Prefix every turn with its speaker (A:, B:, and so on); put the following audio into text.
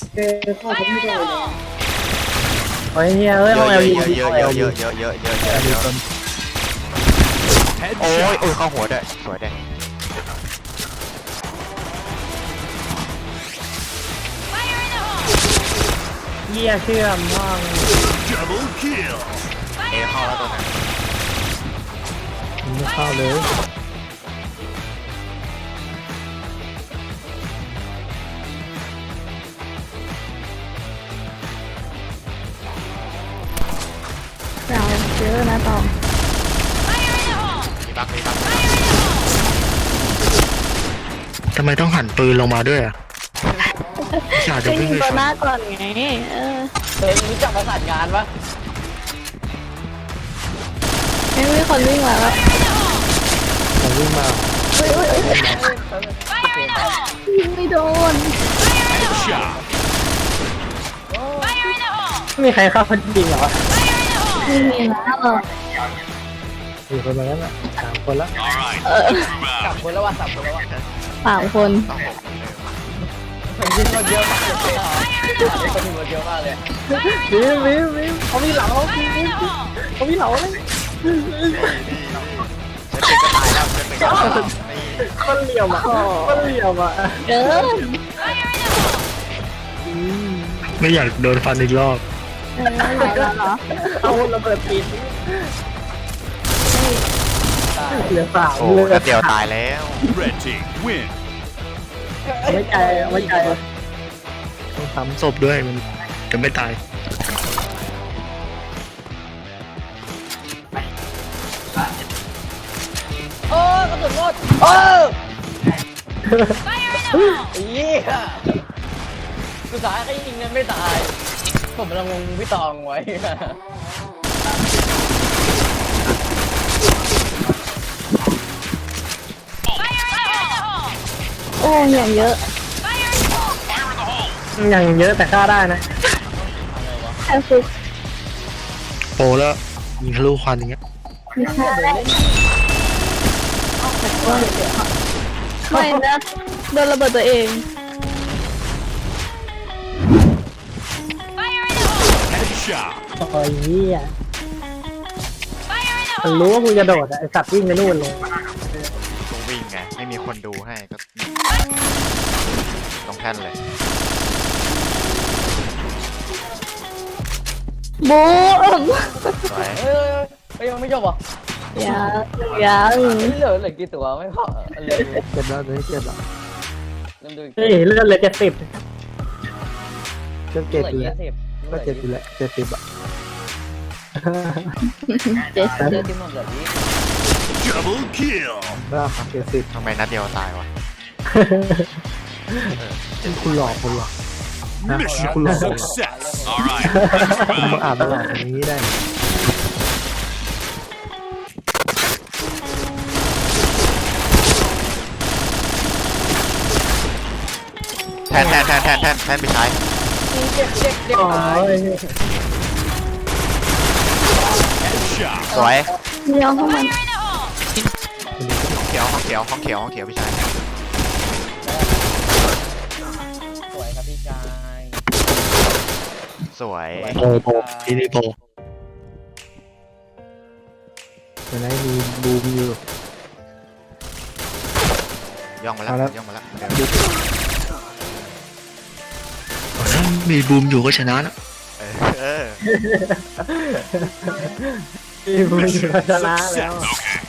A: พ่อผมไม่ได้เลย
B: โอ้ยเฮียเอ้ยห้องแอล
C: เย
B: ยิ
C: อะ
B: ง
C: เยอะเยอะเยอะเยอะเยอะเยอะเยอะเยอะโอ้ยโอ้ยเข้าหัวด้วยสวยด้วย
B: เฮียเชื่อมห้อง
D: Double kill.
C: เอเข้าแล้วตัวนั้น
B: ไม่เข้าเลย
E: เราเยอะนะตอง
C: มีบักมีบัก
F: ทำไมต้องหันปืนลงมาด้วยอ่ะอยากจะ
E: ก็
F: วิ่
E: ยิ
F: ง
E: ง
F: ไป
E: ตัว
F: ช
E: ห
F: น
E: น้าก่อนไง
A: เฮ้ยรู้จักประสานงานปะ
E: ไม่มีคนวิ่งมาแล้ว
B: ผมวิ่งมา
E: ยิงไม่โดน
D: Shot.
B: ไม่มีใครเข้าจริงเหรอ
E: ไม่มีแล้ว
B: สี่คนมาแล้วน่ะ3 คนแล้ว
D: All right.
A: สับคนแล้วว่ะสับคนแล้วว่ะ
E: 3 คน
C: ต้องหกเลย
A: ผมยิงมาเยอะมากเลยคนยิงมาเยอะมากเลย
B: วิวเขามีเหลาเขามีเหลาเลย
C: เช็ดเป็นก็ตายแล้วเช็ดเป็นก็ตายแล้วนี่
B: คนเหลี่ยมอ่ะคนเหลี่ยมอ่ะ
E: เดิน
F: ไม่อยากโดนฟันอีกรอบ
E: ไหนแล้วเหรอ
B: เอาระเบิดปิดเหลือ3
C: โอ้นัดเดียวตายแล้ว
D: Red team win.
B: ไม่ไกลไม่ไกล
F: ต้องซ้ำศพด้วยมันจะไม่ตาย
A: โอ้กระสุนหมดโอ้อีสุดท้ายก็ยิงนั้นไม่ตาย ผมกำลังงงพี่ตองไว้
E: โอ้อย่างเยอะ
B: อย่างเยอะแต่ฆ่าได้นะ
E: แค่ฟุก
F: โปรแล้วยิงทะลุควันอย่างเงี้ย
E: ไม่ใช่ไม่นะโดนระเบิดตัวเอง
D: Headshot.
B: โอ้ยเหี้ยมันรู้ว่ามึงจะโดดอ่ะไอสัตว์วิ่งไปนู่นเลย
C: ต้องวิ่งไงไม่มีคนดูให้ก็ต้องแท่นเลย
E: บูม
C: สวย
A: เฮ้ยยังไม่จบอ่ะ
E: ยัง
A: เหลือกี่ตัวไม่พอเหลือ
B: เจ็บแล้วเจ็บแล้ว
A: เริ่มดู
B: เฮ้ยเลือดเลย70เจ็บ
A: เจ็ด
B: อยู่
A: แล้
B: แล้ว
A: ว
B: ก็เจ็บอยู่แล้ว70อ่ะ
E: เจ็ด
A: เลือดที่มันเหลือที่
D: Double kill.
B: บ้า70
C: ทำไมนัดเดียวตายวะ
B: คุณหลอกนะ
D: Mission
B: คุณหลอก
D: success. All right.
B: คุณมาอ่านตลาดอย่างนี้ได้
C: แทนไปใช้
A: เจ็บ
B: อ๋อ
D: Headshot.
C: สวย
E: เลี้ยวเข้ามา
C: ห้องเขียวพี่ชาย
A: สวยครับพี่ชาย
C: สวย
F: โปรที่นี่โปร
B: เดี๋ยวนะมีบูมอยู่
C: ย่องมาแล้ว
B: เอาแล้ว
C: ย่องมาแล้ว
F: ถ้ามีบูมอยู่ก็ชนะนะ
C: เออ
B: มีบูมอยู่ชนะแล้ว
D: Success. Okay.